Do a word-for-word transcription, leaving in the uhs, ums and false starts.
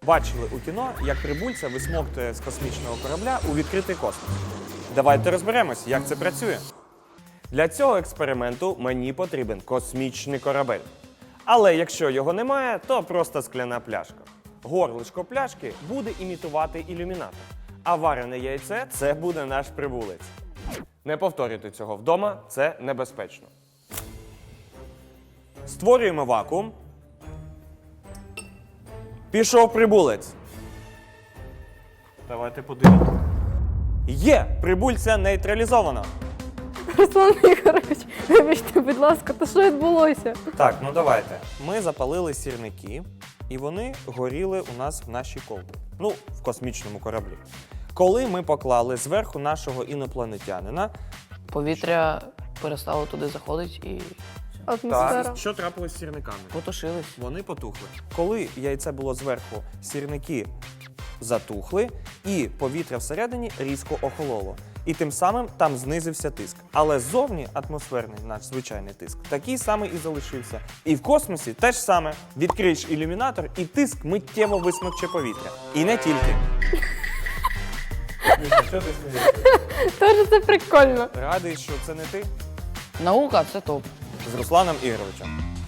бачили у кіно, як прибульця висмоктує з космічного корабля у відкритий космос. Давайте розберемось, як це працює. Для цього експерименту мені потрібен космічний корабель. Але якщо його немає, то просто скляна пляшка. Горлишко пляшки буде імітувати ілюмінатор, а варене яйце – це буде наш прибулець. Не повторюйте цього вдома, це небезпечно. Створюємо вакуум. Пішов прибулець. Давайте подивимось. Є! Прибульця нейтралізовано. Руслан Ігорович, вибачте, будь ласка, то що відбулося? Так, ну давайте. Ми запалили сірники, і вони горіли у нас в нашій колбі. Ну, в космічному кораблі. Коли ми поклали зверху нашого інопланетянина, Повітря перестало туди заходити і Атмосфера. так, що трапилось з сірниками? потушились. Вони потухли. Коли яйце було зверху, сірники затухли, і повітря всередині різко охололо. І тим самим там знизився тиск. Але ззовні атмосферний наш звичайний тиск такий самий і залишився. І в космосі теж саме. Відкриєш ілюмінатор, і тиск миттєво висмокче повітря. І не тільки. Що ти смієшся? Тож це прикольно. Радий, що це не ти? Наука це топ. З Русланом Ігоровичем.